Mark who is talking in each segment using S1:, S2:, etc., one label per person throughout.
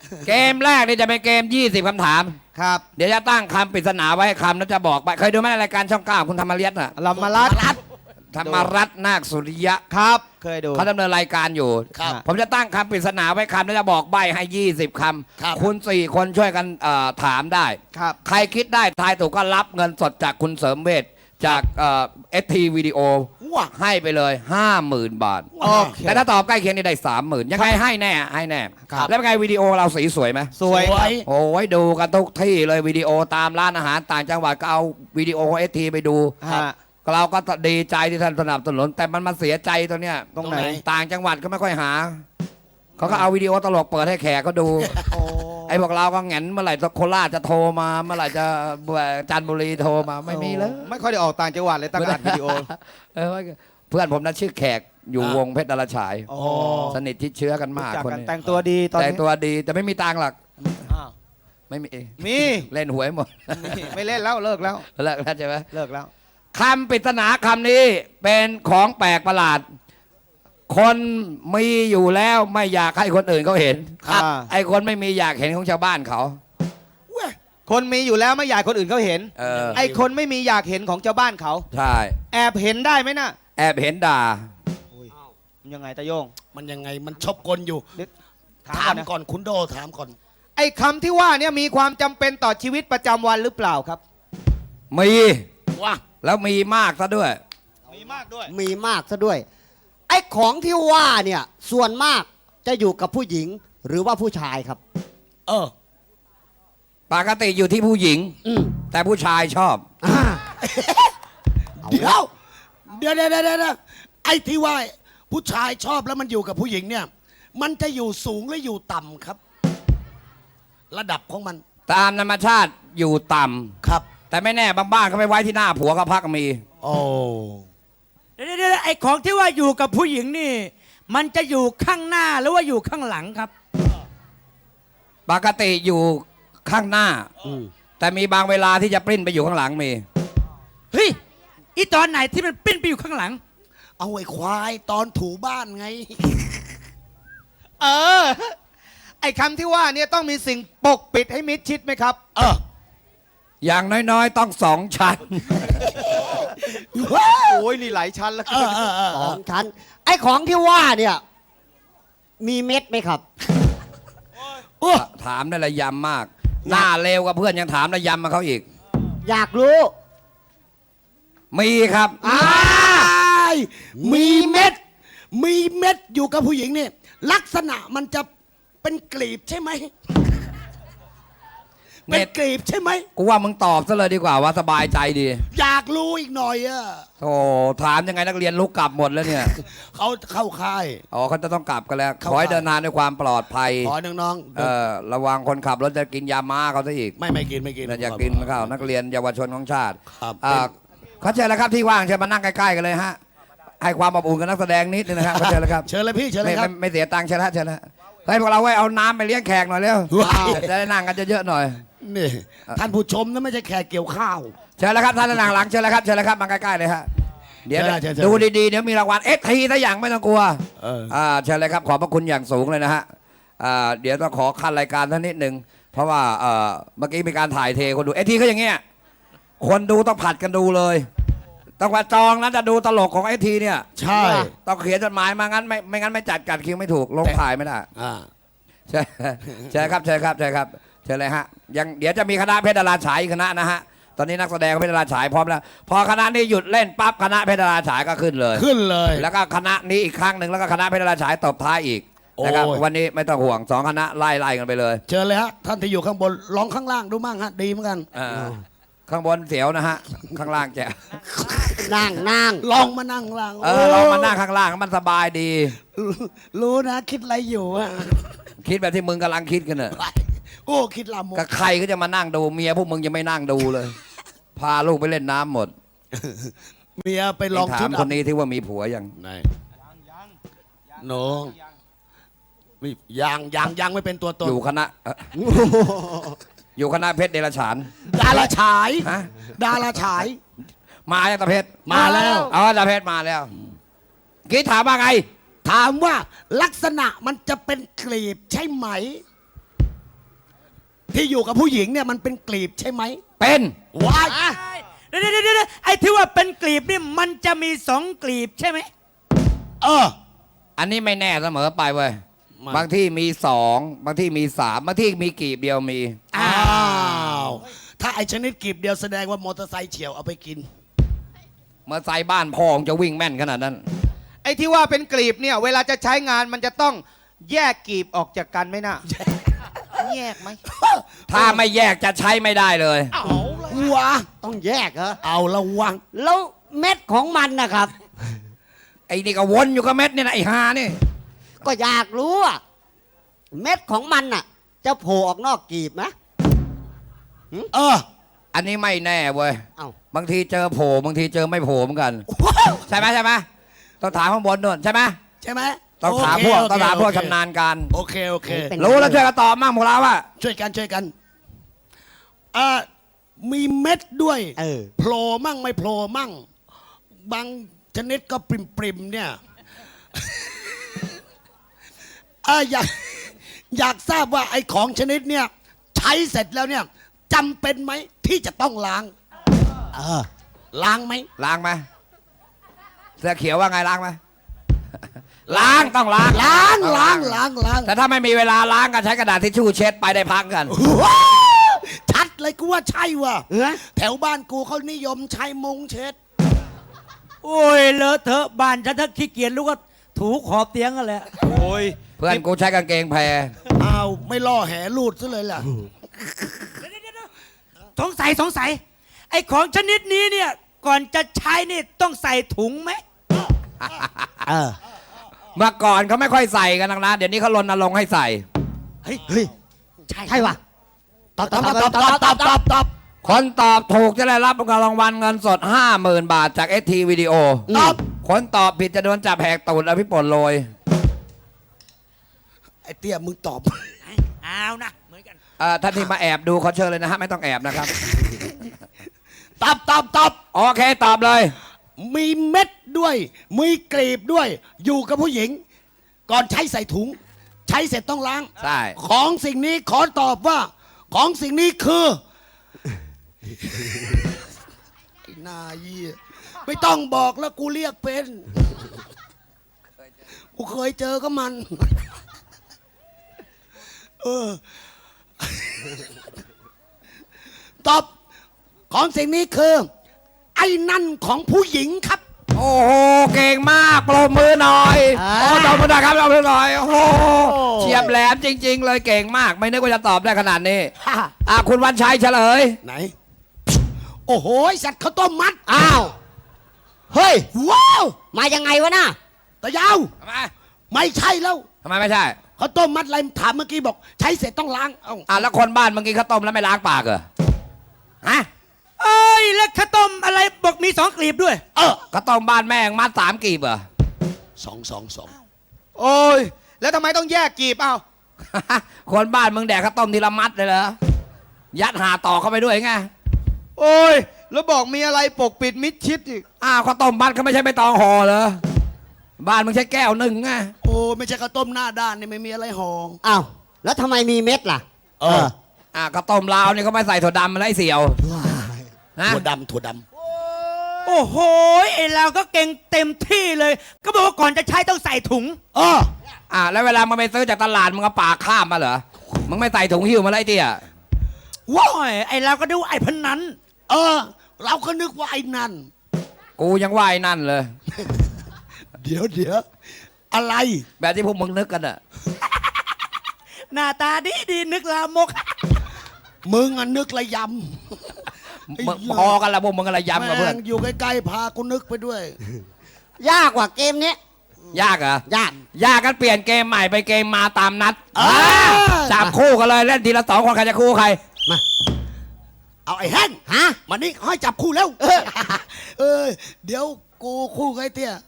S1: เกมแรกนี่จะเป็นเกม20คำถาม
S2: ครับ
S1: เดี๋ยวจะตั้งคำปริศนาไว้ให้คำแล้วจะบอกไปเคยดูไหมรายการช่อง9คุณธรรมรัตน์น่ะ
S2: ลำมาลัด
S1: ธรรมรัตน์นาคสุริยะ
S2: ครับเคยดู
S1: เขาดำเนินรายการอยู่ผมจะตั้งคำปริศนาไว้คำแล้วจะบอกใบให้20คำคุณ4คนช่วยกันถามได้ใครคิดได้ทายถูกก็รับเงินสดจากคุณเสริมเวชจากST วิดีโอให้ไปเลย 50,000 บาทแต่ถ้าตอบใกล้เคียงนี่ได้ 30,000ยังไงให้แน่แล้วเป็นไงวิดีโอเราสีสวยไหม
S2: สวย
S1: โอ้ยดูกันทุกที่เลยวิดีโอตามร้านอาหารต่างจังหวัดก็เอาวิดีโอของSTไปดูเราก็ดีใจที่ท่านสนับสนุนแต่มันมาเสียใจตัวเนี้ย
S2: ตรงไหน
S1: ต่างจังหวัดก็ไม่ค่อยหาเขาก็เอาวิดีโอตลกเปิดให้แขกก็ดูไอ้พวกเราก็แงนเมื่อไหร่โคราชจะโทรมาเมื่อไหร่จะจันทบุรีโทรมาไม่มีเลย
S2: ไม่ค่อยได้ออกต่างจังหวัดเลยตั้งอัดวิดีโอ
S1: เพื่อนผมนะชื่อแขกอยู่วงเพชรดาราฉายสนิทที่เชื้อกันมากคนนี้
S2: แต่งตัวดีตอนนี้
S1: แต่งตัวดีแต่ไม่มีตังค์หรอกไม่มีเล่นหวยหมด
S2: ไม่เล่นแล้วเลิกแล้ว
S1: ใช่ไหม
S2: เลิกแล้ว
S1: คำปริศนาคำนี้เป็นของแปลกประหลาดคนมีอยู่แล้วไม่อยากให้คนอื่นเขาเห็นไอ้คนไม่มีอยากเห็นของชาวบ้านเขา
S2: คนมีอยู่แล้วไม่อยากคนอื่นเขาเห็นไอ้คนไม่มีอยากเห็นของชาวบ้านเขา
S1: ใช่
S2: แอบเห็นได้ไหมน่ะ
S1: แอบเห็นด่า
S2: ยังไงตะโยง
S3: มันยังไงมันชอบกลอยู่ถามก่อนคุณโดถามก่อน
S2: ไอ้คำที่ว่าเนี่ยมีความจำเป็นต่อชีวิตประจำวันหรือเปล่าครับ
S1: มี
S3: ว่า
S1: แล้วมีมากซะด้วย
S2: มีมากด้วย
S4: มีมากซะด้วยไอ้ของที่ว่าเนี่ยส่วนมากจะอยู่กับผู้หญิงหรือว่าผู้ชายครับ
S1: ปกติอยู่ที่ผู้หญิงแต่ผู้ชายชอบ
S3: เดี๋ยวไอ้ที่ว่าผู้ชายชอบแล้วมันอยู่กับผู้หญิงเนี่ยมันจะอยู่สูงหรืออยู่ต่ำครับระดับของมัน
S1: ตามธรรมชาติอยู่ต่ำ
S3: ครับ
S1: แต่ไม่แน่บางบ้านเขาไม่ไว้ที่หน้าผัวก็พักมี
S3: โอ้
S5: เดี๋ยวไอ้ของที่ว่าอยู่กับผู้หญิงนี่มันจะอยู่ข้างหน้าหรือว่าอยู่ข้างหลังครับ
S1: ปกติอยู่ข้างหน้าแต่มีบางเวลาที่จะปริ้นไปอยู่ข้างหลังมี
S5: เฮ้ยอีตอนไหนที่มันปริ้นไปอยู่ข้างหลัง
S3: เอาไอ้ควายตอนถูบ้านไง
S2: ไอ้คำที่ว่าเนี่ยต้องมีสิ่งปกปิดให้มิดชิดไหมครับ
S1: อย่างน้อยๆต้อง2 ชั้น
S2: โอ้ยนี่หลายชั้นแล้ว
S4: 2 ชั้นไอ้ของที่ว่าเนี่ยมีเม็ดไหมครับ
S1: ถามได้ระยำมากหน้าเลวกับเพื่อนยังถามระยำมาเขาอีก
S4: อยากรู้
S1: มีครับ
S3: มีเม็ดอยู่กับผู้หญิงนี่ลักษณะมันจะเป็นกลีบใช่ไหมเป็นกลีบใช่ไหม
S1: กูว่ามึงตอบซะเลยดีกว่าว่าสบายใจดี
S3: อยากรู้อีกหน่อย
S1: โอ้ถามยังไงนักเรียนลุกกลับหมดแล้วเนี่ย
S3: เขาเข้าค่าย
S1: เขาจะต้องกลับกันแล้วขอให้เดินทางด้วยความปลอดภัย
S3: ขอน้อง
S1: ระวังคนขับรถจะกินยาม้าเขาซะอีก
S3: ไม่กิน
S1: อย่ากินเขานักเรียนเยาวชนของชาติเขาเชิญแล้วครับที่ว่างเชิญมานั่งใกล้ๆกันเลยฮะให้ความอบอุ่นกับนักแสดงนิดนึงนะครับเชิญเลยครับ
S3: เชิญเลยพี่เชิญเลยครับ
S1: ไม่เสียตังค์เชิญแล้วให้พวกเราไว้เอาน้ำไปเลี้ยงแขกหน่อยเร็วจะได้นั่งกันเยอะๆหน่อย
S3: นี่ท่านผู้ชมนะไม่ใช่แขกเกี่ยวข้าว
S1: เชิญแล้วครับท่านนั่งหลังเชิญแล้วครับมาใกล้ๆเลยฮะเดี๋ยวดูดีๆเดี๋ยวมีรางวัลSTถ้าอย่างไม่ต้องกลัวเชิญเลยครับขอบพระคุณอย่างสูงเลยนะฮะเดี๋ยวต้องขอขั้นรายการท่านนิดนึงเพราะว่าเมื่อกี้มีการถ่ายเทคนดูSTเขาอย่างเงี้ยคนดูต้องผัดกันดูเลยต้องว่าจองนะจะดูตลกของSTเนี่ย
S3: ใช่
S1: ต้องเขียนจดหมายมางั้นไม่งั้นไม่จัดคิวไม่ถูกลงถ่ายไม่ได้ใช่ครับเชิญเลยฮะยังเดี๋ยวจะมีคณะเพชรดาราฉายคณะนะฮะตอนนี้นักแสดงเพชรดาราฉายพร้อมแล้วพอคณะนี้หยุดเล่นปั๊บคณะเพชรดาราฉายก็ขึ้นเลยแล้วก็คณะนี้อีกครั้งหนึ่งแล้วก็คณะเพชรดาราฉายตบท้ายอีกนะครับวันนี้ไม่ต้องห่วง2 คณะไล่กันไปเลย
S3: เชิญเลยฮะท่านที่อยู่ข้างบนลองข้างล่างดูมั่งฮะดีเหมือนกัน
S1: ข้างบนเสียวนะฮะข้างล่างจะ
S4: นั่ง
S3: ลองมานั่งข้างล่าง
S1: ลองมานั่งข้างล่างมันสบายดี
S3: รู้นะคิดอะไรอยู่
S1: คิดแบบที่มึงกำลังคิดกันเนอะ
S3: คิดลามก
S1: กับใครก็จะมานั่งดูเมียพวกมึงยังไม่นั่งดูเลยพาลูกไปเล่นน้ำหมด
S3: เมียไปลอง
S1: ถามคนนี้ที่ว่ามีผัวยัง
S3: โนยังไม่เป็นตัวตน
S1: อยู่คณะอยู่คณะเพชรเดลฉาน
S3: ดาราฉายดาราฉาย
S1: มาแล้วตาเพชร
S3: มาแล้ว
S1: ตาเพชรมาแล้วกี้ถามว่าไง
S3: ถามว่าลักษณะมันจะเป็นกลีบใช่ไหมที่อยู่กับผู้หญิงเนี่ยมันเป็นกลีบใช่ไหม
S1: เป็น
S3: ว้าย
S5: เดี๋ยวไอ้ที่ว่าเป็นกลีบนี่มันจะมีสองกลีบใช่ไหม
S3: เออ
S1: อันนี้ไม่แน่เสมอไปเว้ย
S3: มา
S1: บางที่มีสองบางที่มีสามบางที่มีกีบเดียวมี
S3: อ้าว ถ้าไอชนิดกลีบเดียวแสดงว่ามอเตอร์ไซค์เฉียวเอาไปกิน
S1: เมื่อใส่บ้านพองจะวิ่งแม่นขนาดนั้น
S2: ไอ้ที่ว่าเป็นกลีบเนี่ยเวลาจะใช้งานมันจะต้องแยกกลีบออกจากกันไหมน่ะ แยกไหม
S1: ถ้าไม่แยกจะใช้ไม่ได้เลย
S3: วะ
S4: ต้องแยกเหรอ
S3: เอาละวัง
S4: แล้วเม็ดของมันนะครับ
S1: ไอ้นี่ก็วนอยู่กับเม็ดเนี่ยนะไอ้ฮานี่
S4: ก็อยากรู้อะเม็ดของมันน่ะ จะโผล่ออกนอกกลีบไหม
S3: เออ
S1: อันนี้ไม่แน่เว้ย
S4: เอ้า
S1: บางทีเจอโผล่บางทีเจอไม่โผล่เหมือนกัน ใช่ไหมใช่ไหมต้องถามข้างบนนู่นใช่ไหม
S3: ใช่ไหม
S1: ต้องถามพวก
S3: โเค
S1: ต้องถามพวก
S3: โอเค
S1: ชำนาญการ
S3: โอเคโอเค
S4: เป็น
S1: รู้แล้วช่วยกันตอบมั่งพวกเราว่า
S3: ช่วยกันช่วยกันมีเม็ดด้วย โผล่มั่งไม่โผล่มั่ง บางชนิดก็ปริมๆเนี่ย อยากทราบว่าไอ้ของชนิดเนี่ยใช้เสร็จแล้วเนี่ยจำเป็นไหมที่จะต้องล้าง ล้างไหม
S1: ล้างไหมเสื้อเขียวว่าไงล้างไหม ล้างต้องล้าง
S3: ล้าง
S1: ต้อง
S3: ล้างล้างล้าง
S1: แต่ถ้าไม่มีเวลาล้างก็ใช้กระดาษทิชชู่เช็ดไปได้พักกัน
S3: ว้าวชัดเลยกูว่าใช่ว่ะ
S4: เออ
S3: แถวบ้านกูเขานิยมใช้มุงเช็ด
S5: โอ้ยเลอะเทอะบ้านฉันถ้าขี้เกียจลูกก็ถูขอบเตียงกันแหละ
S2: โอ้ย
S1: เพื่อนกูใช้กางเกงแพร
S3: อ้าวไม่ล่อแหลูดซะเลยล่ะ
S5: สงสัยไอ้ของชนิดนี้เนี่ยก่อนจะใช้นี่ต้องใส่ถุงไหม
S1: เมื่อก่อนเขาไม่ค่อยใส่กันนะเดี๋ยวนี้เขารณรงค์ให้ใส่
S4: เฮ้ย ใช่ว่ะตอบ
S3: ตอบ
S1: คนตอบถูกจะได้รับรางวัลเงินสด 50,000 บาทจาก ST วิดีโอ
S3: ตอบ
S1: คนตอบผิดจะโดนจับแหกตูดแล้วพี่ป่นโรย
S3: ไอ้เตี้ยมึงตอบ
S5: เอานะเหมือนกัน
S1: ท่านที่มาแอบดูเขาเชิญเลยนะฮะไม่ต้องแอบนะครับ
S3: ตอบ
S1: โอเคตอบเลย
S3: มีเม็ดด้วย มีกลีบด้วย อยู่กับผู้หญิง ก่อนใช้ใส่ถุง ใช้เสร็จต้องล้าง
S1: ใช่
S3: ของสิ่งนี้ขอตอบว่า ของสิ่งนี้คือไอ้หนาเยี่ยไม่ต้องบอกแล้วกูเรียกเป็นกูเคยเจอก็มัน เออ ตอบของสิ่งนี้คือ ไอ้นั่นของผู้หญิงครับ
S1: โอ้โหเก่งมากปรบมือหน่อยโอ้ตบมือหน่อยครับตบมือหน่อยโอ้โหเฉียบแหลมจริง ๆ เลยเก่งมาก ไม่นึกว่าจะตอบได้ขนาดนี้คุณวันชัยเฉลย
S3: ไหน โอ้โหสัตว์ข้าวต้มมัด
S4: อ้าว เฮ้ย
S3: ว้าว
S4: มายังไงวะน่ะ
S3: ตะยาว
S1: ทำไม
S3: ไม่ใช่แล้ว
S1: ทำไมไม่ใช่
S3: ข้าวต้มมัดอะไรถามเมื่อกี้บอก ใช้เสร็จต้องล้าง เอ้า
S1: แล้วคนบ้านเมื่อกี้เขาต้มแล้วไม่ล้างปากเหรอฮะ
S5: เอ้ยแล้วข้าวต้มอะไรบอกมีสองกลีบด้วย
S1: ข้าวต้มบ้านแม่งมัด3 กีบเหรอ
S3: สอง
S2: โอ้ยแล้วทำไมต้องแยกกลีบเอ้า
S1: คนบ้านมึงแดกข้าวต้มทีละมัดเลยเหรอยัดหาต่อเข้าไปด้วยไง
S2: โอ้ยแล้วบอกมีอะไรปกปิดมิดชิดอีก
S1: ข้าวต้มมัดเขาไม่ใช่ใบตองห่อเหรอบ้านมึงใช้แก้วหนึ่งไง
S3: โอ้ไม่ใช่ข้าวต้มหน้าด้านนี่ไม่มีอะไรห่อ
S4: อ้าว แล้วทำไมมีเม็ดล่ะ
S1: ข้าวต้มลาวนี่เขาไม่ใส่ถั่วดำมาไล่เสี่ยวนะ
S3: ถั่วดำ
S5: โอ้โหไอ้เราก็เก่งเต็มที่เลย ก็บอกว่าก่อนจะใช้ต้องใส่ถุง
S1: แล้วเวลามึงไปซื้อจากตลาดมึงเอาปากข้ามมาเหรอมึงไม่ใส่ถุงหิ้วมาไล่เตี้ย
S5: ว้ายไอ้เราก็ดูไอ้พนัน
S3: เราก็นึกว่าไอ้นั่น
S1: กูยังว่าไอ้นั่นเลย
S3: เดี๋ยวอะไร
S1: แบบที่พวกมึงนึกกันอะ
S5: หน้าตาดีนึกลามก
S3: มึงอะนึกระย
S1: มึงพอกันละพวกมึงอะไร
S3: ำ
S1: ย้ำกับเพื่อน
S3: แม่งอยู่ใกล้ๆพากูนึกไปด้วย
S4: ยากกว่าเกมนี้
S1: ยากเหรอย
S4: าก
S1: ยากกันเปลี่ยนเกมใหม่ไปเกมมาตามนัด
S3: อ่า
S1: จับคู่กันเลยเล่นทีละ2 คนใครจะคู่ใคร
S3: เอาไอ้แห้ง
S4: ฮะ
S3: มานี่ให้จับคู่แล้ว เดี๋ยวกูคู่กับไอ้เตี้ย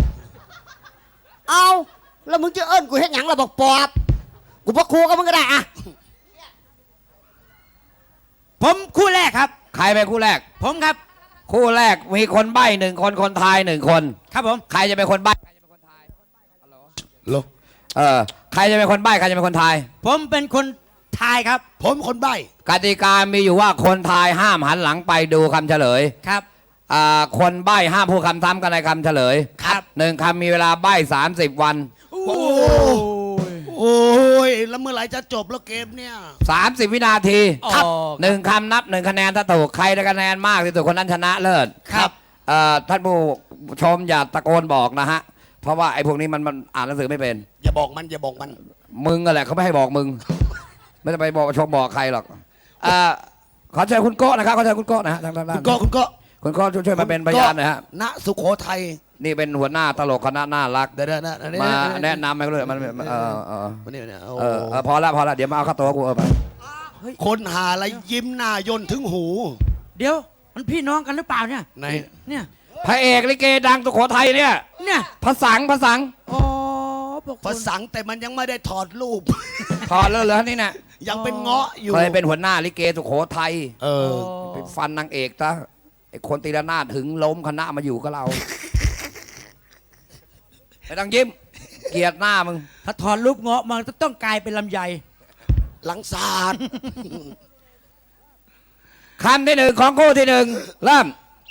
S4: เอาแล้วมึงจะเอิ้นกูเฮ็ดหยังล่ะบอกปอบ กูบอกครูกับมึงก็ได้อะ
S5: ผมคู่แรกครับ
S1: ใครเป็นคู่แรก
S5: ผมครับ
S1: คู่แรกมีคนใบ้1 คนคนทาย1 คน
S5: ครับผม
S1: ใครจะเป็นคนใบ้
S3: โล
S1: ใครจะเป็นคนใบ้ใครจะเป็นคนทาย
S5: ผมเป็นคนทายครับ
S3: ผมคนใบ้
S1: กติกามีอยู่ว่าคนทายห้ามหันหลังไปดูคำเฉลย
S5: ครับ
S1: คนใบ้ห้ามพูดคำซ้ำกันในคำเฉลย
S5: ครับ
S1: หนึ่งคำมีเวลาใบ้30 วัน
S5: โอ้ย
S3: โอ้ยแล้วเมื่อไหร่จะจบแล้วเกมเนี่ย
S1: 30 วินาที
S5: ครับ
S1: หนึ่งคำนับ1คะแนนถ้าถูกใครได้คะแนนมากที่สุดคนนั้นชนะเลิศ
S5: ครับ
S1: ท่านผู้ชมอย่าตะโกนบอกนะฮะ เพราะว่าไอ้พวกนี้มันอ่านหนังสือไม่เป็น
S3: อย่าบอกมันอย่าบอกมัน
S1: มึงอะแหละเขาไม่ให้บอกมึง ไม่ต้องไปบอกชมบอกใครหรอกขอเชิญคุณโก้นะครับขอเชิญคุณโก้นะฮะทางด้าน
S3: คุณก็
S1: คุณโก้ช่วยมาเป็นพยานหน่อยฮะ
S3: ณสุโขทัย
S1: นี่เป็นหัวหน้าตลกคณะน่ารัก
S3: เดี๋ยวนะ
S1: มาแนะนำไปเลยมันพอละเดี๋ยวมาเอาค่าตัวกูไป
S3: คนหาอะไรยิ้มหน้ายนถึงหู
S5: เดี๋ยวมันพี่น้องกันหรือเปล่าเนี่ย
S3: ไหน
S5: เนี่ย
S1: พระเอกลิเกดังสุโขทัยเนี่ย
S5: เนี่ย
S1: พระสัง
S5: อ๋อบอก
S3: ภาษาแต่มันยังไม่ได้ถอดรูป
S1: ถอดแล้วเหรอนี่น่ะ
S3: ยังเป็นเงาะอยู่
S1: เคยเป็นหัวหน้าลิเกสุโขทัย
S3: เออ
S1: ไปฟันนางเอกซะไอ้คนตีละนาดถึงล้มคณะมาอยู่กับเราไม่ต้องยิ้มเกลียดหน้ามึง
S5: ถ้าถอนรูปเงาะมันต้องกลายเป็นลำไย
S3: หลังศาสตร์
S1: คำที่หนึ่งของคู่ที่หนึ่งเริ่ม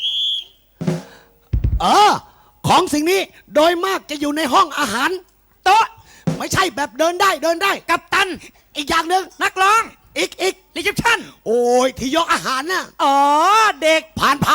S3: ของสิ่งนี้โดยมากจะอยู่ในห้องอาหาร
S5: โต๊ะ
S3: ไม่ใช่แบบเดินได้
S5: กัปตัน
S3: อีกอย่างหนึ่ง
S5: นักร้อง
S3: อีก
S5: รีเซพชั่น
S3: โอ้ยที่ยกอาหารน่ะ
S5: อ๋อ เด็ก
S3: ผ่าน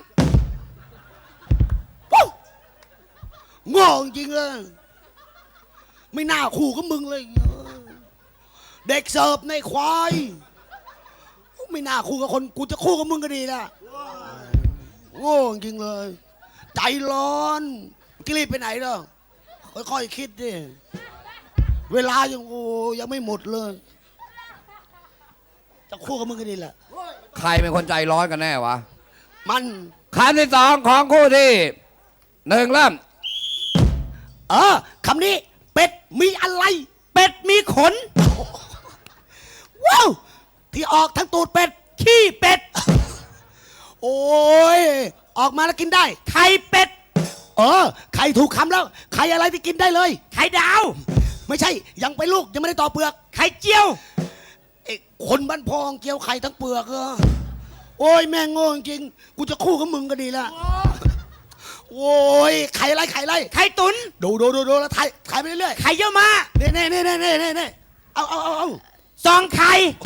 S3: วู้โง่จริงเลย ไม่น่าคู่กับมึงเลย เด็กเสิร์ฟในควาย ไม่น่าคู่กับคนกูจะคู่กับมึงก็ดีนะโง่จริงเลย ใจร้อนกิรีบไปไหนเนาะค่อยๆคิดดิ เวลายังไม่หมดเลย จะคู่กับมึงก็ดีแหละ
S1: ใครเป็นคนใจร้อนกันแน่วะ
S3: มัน
S1: คำที่สองของคู่ที่หนึ่งเริ่ม
S3: คำนี้เป็ดมีอะไร
S5: เป็ดมีขน
S3: ว้าวที่ออกทั้งตูดเป็ด
S5: ขี้เป็ด
S3: โอ้ยออกมาแล้วกินได้
S5: ไข่เป็ด
S3: ไข่ถูกคำแล้วไข่อะไรที่กินได้เลย
S5: ไข่ดาว
S3: ไม่ใช่ยังไปนลูกยังไม่ได้ต่อเปลือก
S5: ไข่เจียว
S3: ไอ้คนบ้านพองเกี่ยวไข่ทั้งเปลือกโอ้ยแม่งโง่จริงกูจะคู่กับมึงก็ดีละโอ้ยไข่อะไร
S5: ไข่ตุน
S3: ดูแล้วถ่ายไปเรื่อย
S5: ไข่เยี่ยวมา
S3: ๆเน่เอา
S5: ซองไข่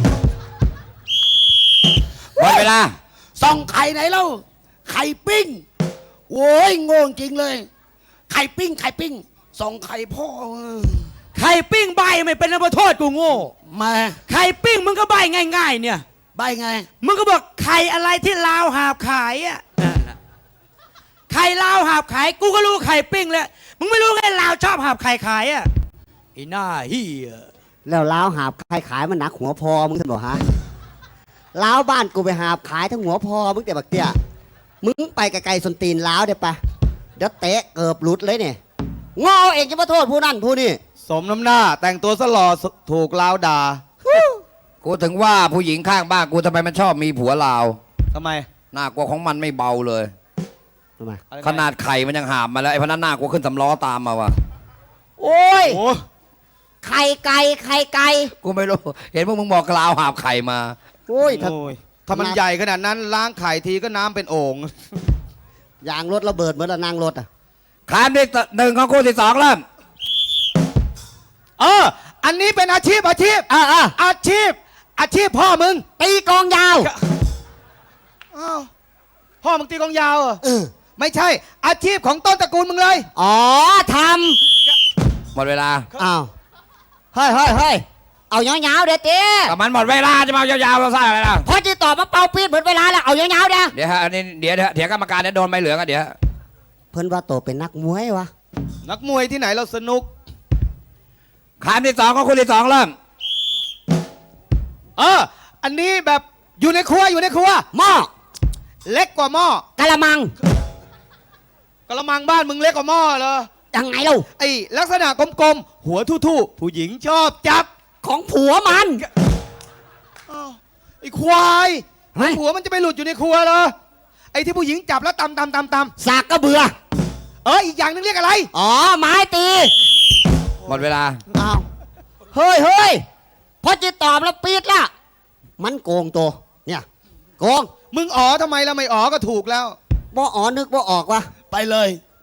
S1: หมดเวลา
S3: ส่องไข่ไหนเล่าไข่ปิ้งโอ้ยโง่จริงเลย ไข่ปิ้งส่องไข่พ่อ
S5: ไข่ปิ้งใบไม่เป็นระโทษกูโง่
S3: มา
S5: ไข่ปิ้งมึงก็ใบง่ายๆ เนี่ย
S3: ใบไง
S5: มึงก็บอกไข่อะไรที่ลาวหาบขายอ่ะไข่ลาวหาบขายกูก็รู้ไข่ปิ้งแล้วมึงไม่รู้ไงลาวชอบหาบไข่ขายอ่ะไอ้หน้าเฮีย
S4: แล้วล้าวหาบใครขายมันหนักหัวพอมึงท่านบอกฮะล้าวบ้านกูไปหาบขายทั้งหัวพอมึงแต่บักเตี้ยมึงไปไกลๆสนตีนล้าวเดี๋ยวปะเดี๋ยวเตะเกือบหลุดเลยเนี่ยงอเองจะมาโทษผู้นั่นผู้นี่
S2: สมน้ำหน้าแต่งตัวสลอถูกลาวด่า
S1: กูถึงว่าผู้หญิงข้างบ้านกูทำไมมันชอบมีผัวลาว
S2: ทำไม
S1: หน้ากลัวของมันไม่เบาเลย
S4: ทำไม
S1: ขนาดไข่มันยังหามมาแล้วไอ้พนันหน้ากลัวขึ้นสำล้อตามมาวะ
S4: โอ้ย
S2: โอ้
S4: ไข่ไก่
S1: กูไม่รู้เห็นพวกมึงบอกลาวหาบไข่มา
S4: โอ้ยถ้า
S2: ถ้ามันใหญ่ขนาดนั้นล้างไข่ทีก็น้ำเป็นโอ่ง
S4: ยางรถระเบิดเหมือนละนางรถอ่ะ
S1: คำที่หนึ่งของคู่ที่สองเริ่ม
S2: อันนี้เป็นอาชีพอาชีพพ่อมึง
S4: ตีกองยาว
S2: อ้าวพ่อมึงตีกลองยาวเหรอไม่ใช่ อาชีพของต้นตระกูลมึงเลย
S4: อ๋อท
S1: หมดเวลา
S4: ำอ้าวเฮ้ยเอายาวๆเดี๋ยวเต้
S1: ก็มันหมดเวลาจะมาเอายาวๆเราสร้างอะไรล่ะ
S4: พอจะตอบมาเป่าปีดหมดเวลาแล้วเอายาวๆเดี๋ยว
S1: เดี๋ยวฮะอันนี้เดี๋ยวกรรมการเนี่ยโดนใบเหลืองอ่ะเดี๋ยว
S4: เพิ่นว่าโตเป็นนักมวยวะ
S2: นักมวยที่ไหนเราสนุก
S1: คำที่สองของคู่ที่สองเริ่ม
S2: อันนี้แบบอยู่ในครัว
S4: หม้อ
S2: เล็กกว่าหม้อก
S4: ะละมัง
S2: กระมังบ้านมึงเล็กกว่าหม้อเหรอ
S4: ยังไงเล่า
S2: ไอ้ลักษณะกลมๆหัวทู่ๆผู้หญิงชอบจับ
S4: ของผัวมัน
S2: อ้าวไอ้ควาย
S4: เฮ้ย
S2: หัวมันจะไปหลุดอยู่ในครัวเหรอไอ้ที่ผู้หญิงจับแล้วตำ
S4: สากกระเบือ
S2: อีกอย่างนึงเรียกอะไร
S4: อ๋อไม้ตี
S1: หมดเวลา
S4: อ้าวเฮ้ยพอจิตตอบแล้วปีดละมันโกงตัวเนี่ยโกง
S2: มึงอ๋อทำไมแล้วไม่อ๋อก็ถูกแล้ว
S4: บ่อ๋อนึกบ่ออกวะ
S3: ไปเลย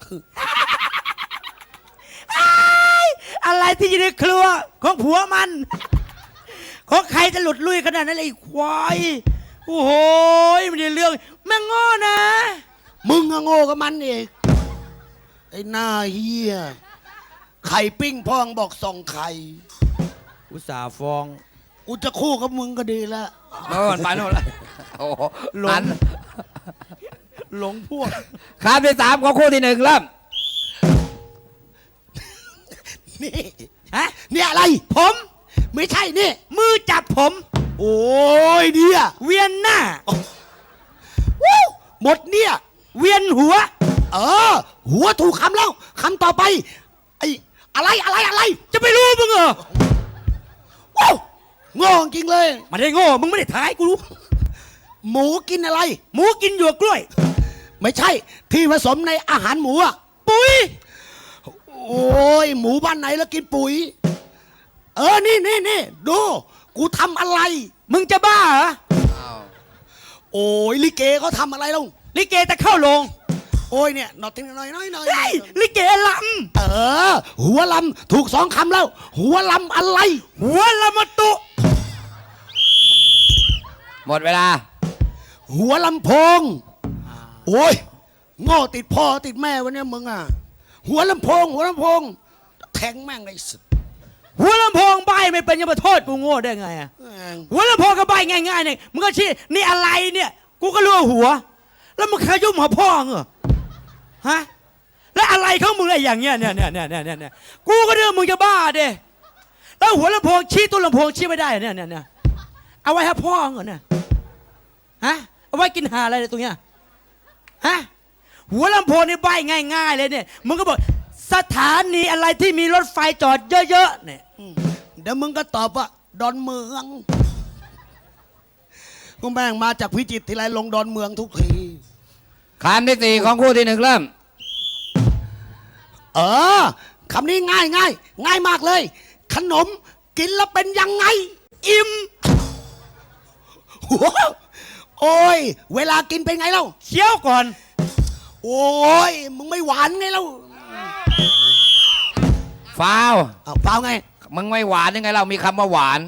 S5: อะไรที่อยู่ในครัวของผัวมัน ของใครจะหลุดลุยขนาดนั้นเลยไอ้ควายโอ้โหไม่ได้เรื่องแม่งโง่นะ
S3: มึงอะโง่กับมันเองไอ้หน้าเฮียไข่ปิ้งพองบอกส่องไข่
S5: อุตส่าห์ฟ้อง
S3: กูจะคู่กับมึงก็ดีแล้ว
S1: โน่นไปโน่นละโอ้โห
S5: หลง
S1: หัน
S5: หลงพวก
S1: คำที่ 3ของคู่ที่ 1เริ่ม
S3: นี่
S5: ฮะ
S3: เนี่ยอะไร
S5: ผม
S3: ไม่ใช่นี่
S5: มือจับผม
S3: โอ้ยเนี่ย
S5: เวียนหน้า
S3: วู้หมดเนี่ย
S5: เวียนหัว
S3: เออ หัวถูกคำแล้วคำต่อไปไอ้อะไร
S5: จะไปรู้มึงเหรอ
S3: ว้าวโง่จริงเลย
S5: ไมันได้โง่มึงไม่ได้ท้ายกูรู้
S3: หมูกินอะไร
S5: หมูกินหยวกกล้วย
S3: ไม่ใช่ที่ผสมในอาหารหมูอะ
S5: ปุ๋ย
S3: โอ้ยหมูบ้านไหนแล้วกินปุ๋ย เออนี่ดูกูทำอะไร
S5: มึงจะบ้าเหรอ
S3: โอ้ยลิเกเขาทำอะไรลง
S5: ลิเกจะเข้าโรง
S3: โอ้ยเนี่ยหนอทิ้งหน่อย
S5: เฮ้ยลิเกล
S3: เออ หัวลำถูก2 คำแล้ว หัวลำอะไร
S5: ำหัวละมะตุ
S1: หมดเวลา
S3: หัวลำโพง โอ้ยโง่ติดพ่อติดแม่วันนี้มึงอ่ะ หัวลำโพง แทงแม่งไอ้สุด
S5: หัวลำโพงใบไม่เป็นยังมาโทษกูโง่ได้ไงอะหัวลำโพงก็ใบง่ายๆเนี่ยมึงก็ชี้นี่อะไรเนี่ย กูก็รู้ว่าหัว แล้วมึงขยุ่มหัวพ่อเหรอฮะแล้วอะไรของมึงไอ้อย่างเงี้ยเนี่ยกูก็เรื่องมึงจะบ้าเด้แล้วหัวลำโพงชี้ตัวลำโพงชี้ไม่ได้เนี่ยเอาไว้ให้พ่อเหรอเนี่ยฮะเอาไว้กินหาอะไรเนี่ยตรงเนี้ยฮะหัวลำโพงนี่ใบง่ายๆเลยเนี่ยมึงก็บอกสถานีอะไรที่มีรถไฟจอดเยอะๆเนี่ย
S3: เดี๋ยวมึงก็ตอบว่าดอนเมืองกูแม่งมาจากพิจิตรทีไรลงดอนเมืองทุกที
S1: คำที่ 4ของคู่ที่ 1เริ่ม
S3: เออคำนี้ง่ายมากเลย ขนมกินแล้วเป็นยังไง
S5: อิ่ม
S3: หัวโอ้ย เวลากินเป็นไงเล่า
S5: เคี้ยวก่อน
S3: โอ้ย มึงไม่หวานไงเล่า
S1: ฟาว
S3: เอาเปล่าไง
S1: มึงไม่หวานยังไงเรามีคำว่าหวาน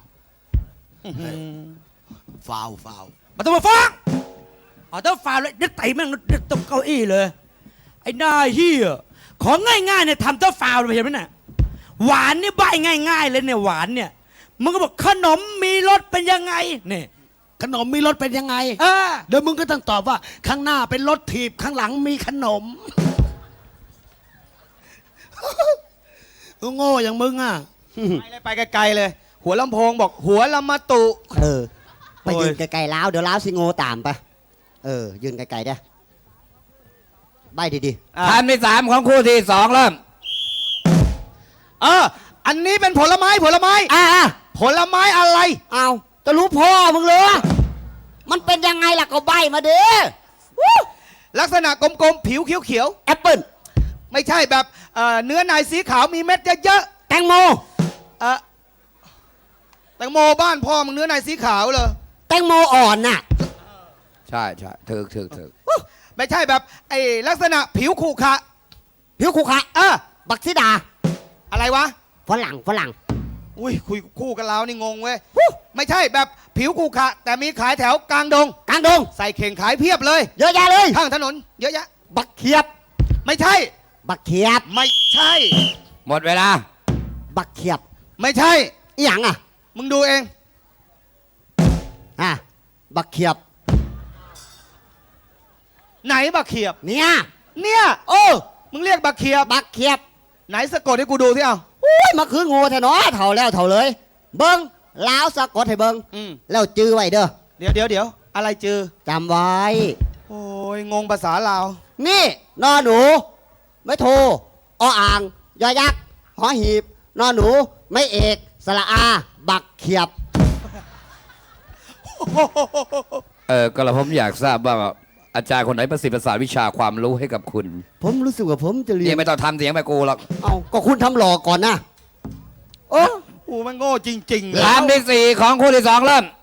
S3: ฟาว
S5: มาต้องมาฟ้องเอาต้องฟาเลยนึกไต่แม่งนึกตบเก้าอี้เลยไอ้หน้าเฮียของง่ายๆเนี่ยทำต้องฟาวเลยเห็นไหมน่ะหวานนี่ใบง่ายๆเลยเนี่ยหวานเนี่ยมึงก็บอกขนมมีรสเป็นยังไงเนี่ย
S3: ขนมมีรสเป็นยังไง
S5: เออ
S3: เดี๋ยวมึงก็ต้องตอบว่า ข้างหน้าเป็นรถถีบข้างหลังมีขนม โง่อย่างมึงอ่ะ
S2: ไปไกลๆเลย หัวลำโพงบอกหัวลำมะตุ
S4: ไปยืนไกลๆล้าวเดี๋ยวล้าวสิโง่ตามไปยืนไกลๆได้ใบดี
S2: อ่ะ
S1: คำที่ 3ของคู่ที่ 2เริ่ม
S2: อันนี้เป็นผลไม้
S4: ๆอ่ะ
S2: ผลไม้อะไร
S4: เอาจะรู้พ่อมึงเลยมันเป็นยังไงล่ะก็ใบมาเด้อ
S2: ลักษณะกลมๆ ผิวเขียว
S4: แอปเปิ้ล
S2: ๆ ไม่ใช่แบบเนื้อในสีขาวมีเม็ดเยอะ
S4: แตงโม
S2: ๆแตงโมบ้านพ่อมึงเนื้อในสีขาวเลย
S4: แตงโมอ่อนน่ะ
S1: ใช่ถึก
S2: ไม่ใช่แบบไอ้ลักษณะผิวขรุขระ
S4: ผิวคุขะบักซิดา
S2: อะไรวะ
S4: ฝรั่ง
S2: อุ้ยคุยคู่กันแล้วนี่งงเว้ย ไม่ใช่แบบผิวขรุขระแต่มีขายแถวกลางดง
S4: กลางดง
S2: ใส่เข่งขายเพียบเลย
S4: เยอะแยะเลย
S2: ข้างถนน เยอะแยะ
S4: บักเขียบ
S2: ไม่ใช่
S4: บักเขียบ
S2: ไม่ใช่
S1: หมดเวลา
S4: บักเขียบ
S2: ไม่ใช่
S4: อีหยังอ่ะ
S2: มึงดูเอง
S4: บักเขียบ
S2: ไหนบักเขียบ
S4: เนี่ย
S2: เนี่ย มึงเรียกบักเขียบ
S4: บักเขียบ
S2: ไหนสะกดให้กูดูที่เอา
S4: อุ้ยมาคือโง่แท้เนาะเท่าแล้วเท่าเลย เบิ้งล้าวสะกดให้เบิ้ง
S2: อืม
S4: แล้วจื้อไว้เด้อ
S2: เดี๋ยวอะไรจือ
S4: จำไว้
S2: โอ้ยงงภาษาลาว
S4: นี่นอหนู ไม่โทออ่างยอยักษ์หอหีบนอหนู ไม่เอกสระอา บักเขียบ
S1: ก็แล้วผมอยากทราบว่าอาจารย์คนไหนประสิทธิ์ประสาทวิชาความรู้ให้กับคุณ
S4: ผมรู้สึกว่าผมจะเรีย
S1: นี่
S4: น
S1: ไม่ต้องทำเสียงไปกูหรอก
S4: เอาก็คุณทำหลอกก่อนนะโอ้
S2: กูมันโง่จริงๆเลย
S1: คำที่สี่ของคู่ที่สองเริ่ม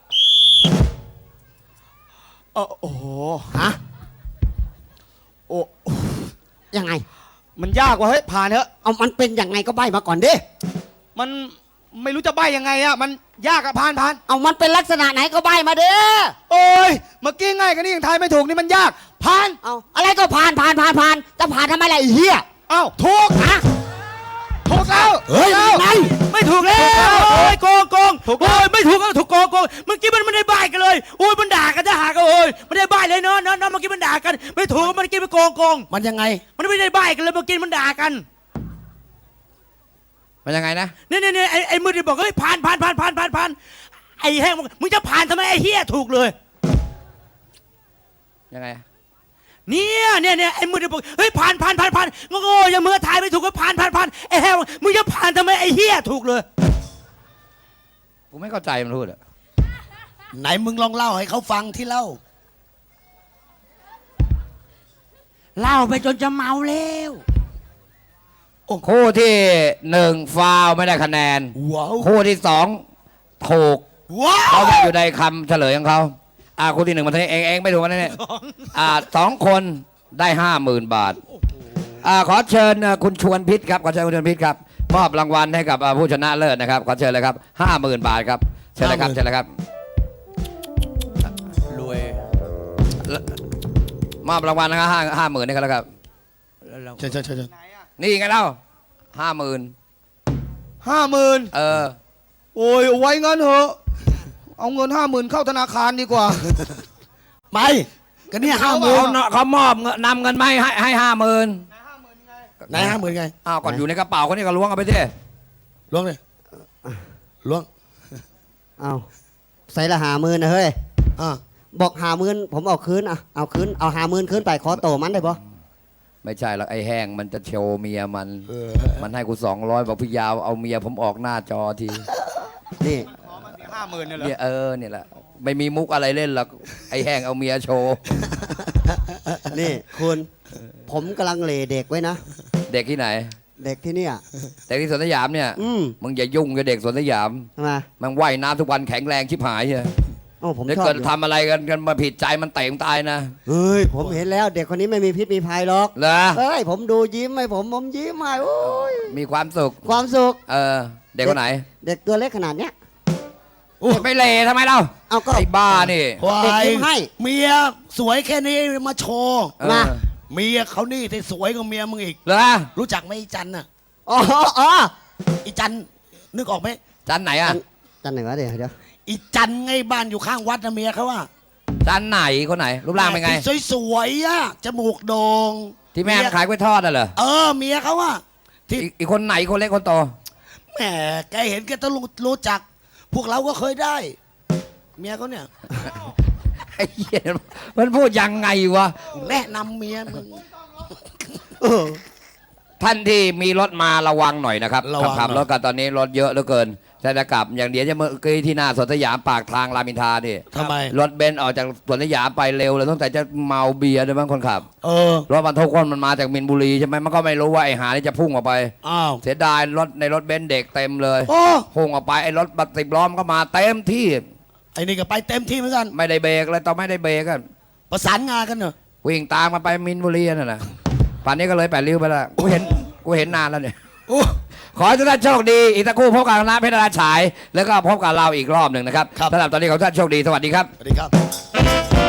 S2: โอ้โห
S4: ฮะ
S2: โอ้
S4: ยังไง
S2: มันยากว่ะเฮ้ยผ่านเถอะ
S4: เอามันเป็นยังไงก็ใบมาก่อนดิ
S2: มันไม่รู้จะใบยังไงอะมันยากอะผ่าน
S4: เอามันเป็นลักษณะไหนก็ใบมาเด้อ
S2: โอ้ยเมื่อกี้ง่ายกันนี่ยังทายไม่ถูกนี่มันยากผ่าน
S4: เอาอะไรก็ผ่านจะผ่านทำไมล่ะไอ้เหี้ย
S2: เอ้าถูก
S4: ฮะ
S2: ถูกแล้ว
S4: เฮ้ย
S2: ถูก
S4: ไง
S2: แล้ว
S5: ไม่ถูกแล้วโอ้ยโกง
S2: ถูกแล้ว
S5: โอ้ยไม่ถูกก็ถูกโกงเมื่อกี้มันไม่ได้ใบกันเลยโอ้ยมันด่ากันจะหากันโอ้ยไม่ได้ใบเลยเนาะเมื่อกี้มันด่ากัน ไม่ถูกเมื่อกี้มันโกง
S3: มันยังไง
S5: มันไม่ได้ใบกันเลยเมื่อกี้มันด่ากัน
S1: มันยังไงนะ
S5: นี่ไอ้มือที่บอกเฮ้ยผ่านไอ้แห้งบอกมึงจะผ่านทำไมไอ้เฮียถูกเลย
S1: ยังไง
S5: เนี่ยไอ้มือที่บอกเฮ้ยผ่านโง่อย่ามือถ่ายไม่ถูกก็ผ่านไอ้แห้งบอกมึงจะผ่านทำไมไอ้เฮียถูกเลย
S1: กูไม่เข้าใจมันพูดอะ
S3: ไหนมึงลองเล่าให้เขาฟังที่เล่า
S5: เล่าไปจนจะเมาแล้ว
S1: คู่ที่หนึ่งฟาวล์ไม่ได้คะแนน
S3: ว้าว
S1: คู่ที่สองถูก
S3: ว้า
S1: เขา
S3: ว
S1: บอกอยู่ในคำเฉลยของเขาคู่ที่หนึ่งมันเองไม่ถูกกันแน่ๆสองคนได้50,000 บาทขอเชิญคุณชวนพิษครับขอเชิญคุณชวนพิษครับมอบรางวัลให้กับผู้ชนะเลิศนะครับขอเชิญเลยครับ50,000 บาทครับเชิญเลยครับเชิญเลยครับ
S5: รวย
S1: มอบรางวัลนะครับ50,000นี่ก็แล้วครับ
S3: เชิญ
S1: นี่ไงเล่า50,000
S2: 50,000 โอ้ยเอาไว้งั้นเถอะเอาเงิน50,000เข้าธนาคารดีกว่า
S3: ไปกันเนี่ย
S1: เขามอบนำเงินมาให้50,000
S3: ไหน50,000ไง
S1: ก่อนอยู่ในกระเป๋าเขานี่ก็ล้วงเอาไปสิ
S3: ล้วงเลยล้วง
S4: เอาใส่ละ50,000นะเฮ้ย
S3: อ่า
S4: บอก50,000ผมเอาคืนเอาคืนเอา50,000คืนไปขอโตมันได้ปะ
S1: ไม่ใช่หรอกไอ้แห้งมันจะโชว์เมียมันให้กู200บอกพี่ยาวเอาเมียผมออกหน้าจอที
S4: นี่
S2: 50,000เนี่ยเหรอ
S1: เนี่ยเนี่ยแหละไม่มีมุกอะไรเล่นหรอกไอ้แห้งเอาเมียโชว์
S4: นี่คุณ ผมกำลังเหลเด็กไว้นะ
S1: เด็กที่ไหน
S4: เด็กที่เนี่ย
S1: เด็กที่สวนสยามเนี่ย มึงอย่ายุ่งกับเด็กสวนสยาม
S4: ทำไม
S1: มันว่ายน้ำทุกวันแข็งแรงชิบหายเลย
S4: โอ้ผม
S1: ถ้า
S4: ชอบ
S1: เกิด
S4: อยู่
S1: ทำอะไรกันมาผิดใจมันเตะมึงตายนะ
S4: เฮ้ยผมเห็นแล้วเด็กคนนี้ไม่มีพิษมีภัยหรอก
S1: เหรอ
S4: เฮ้ยผมดูยิ้มให้ผมยิ้มให้โอ้ย
S1: มีความสุข
S4: ความสุข
S1: เด็กคนไหน
S4: เด็กตัวเล็กขนาดเนี้ย
S1: ไม่เละทำไมเล่า
S4: เอาก็
S1: ไอ้บ้านี่
S3: ควา
S4: เด็ก
S3: ย
S4: ยิ้มให้
S3: เมียสวยแค่นี้มาโชว์
S1: เออ
S4: มา
S3: เมียเขานี่ที่สวยกว่าเมียมึงอีก
S1: เหรอ
S3: รู้จักไหมอีจันน่ะ
S4: อ๋อ
S3: อีจันนึกออกไหม
S1: จันไหนอ่ะ
S4: จันไหนวะเดี๋ยว
S3: อีจันไงบ้านอยู่ข้างวัดนะเมียเขาว่า
S1: จันไหนคนไหน รูปร่างเป็นไง
S3: สวยๆอะจมูกโด่ง
S1: ที่แม่ขายกล้วยทอดน่ะเหรอ
S3: เมียเขาว่าที่
S1: อีกคนไหนคนเล็กคนโต
S3: แหมแกเห็นแกต้องรู้จัก พวกเราก็เคยได้ เมียเขาเนี่ย
S1: ไอ้เหี้ยมันพูดยังไงวะ
S3: แนะนำเมียมึง
S1: ท่านที่มีรถมาระวังหน่อยนะครับ
S3: ระวัง
S1: ขับ
S3: หน่อย
S1: รถกันตอนนี้รถเยอะเหลือเกินแต่จะกลับอย่างเดียวจะเมื่อกี้ที่หน้าสวนสยามปากทางรามอินทรานี่
S3: ทำไม
S1: รถเบนซ์ออกจากสวนสยามไปเร็วเลยตั้งแต่จะเมาเบียร์ด้วยมั้งคนขับ รถบรรทุกคนมันมาจากมินบุรีใช่ไหมมันก็ไม่รู้ว่าไอ้หานี่จะพุ่งออกไป
S3: อ้าว
S1: เสียดายรถในรถเบนซ์เด็กเต็มเลย
S3: โอ้
S1: พุ่งออกไปไอ้รถบัส10 ล้อมนก็มาเต็มที่
S3: ไอ้นี่ก็ไปเต็มที่เหมือนกัน
S1: ไม่ได้เบรกเลยตอนไม่ได้เบรกกัน
S3: ประสานงานกันเนอะ
S1: วิ่งตามมาไปมินบุรีนั่นแหละป่านนี้ก็เลย8 ริ้วไปแล้วกูเห็นนานแล้วเนี่ย
S3: โอ้
S1: ขอให้ทุกท่านโชคดีอีกสักครู่พบกับคณะเพชรดาราฉาย แล้วก็พบกับเราอีกรอบหนึ่งนะครับสำหรับตอนนี้ขอให้ทุกท่านโชคดีสวัสดีครับ
S3: สวัสดีครับ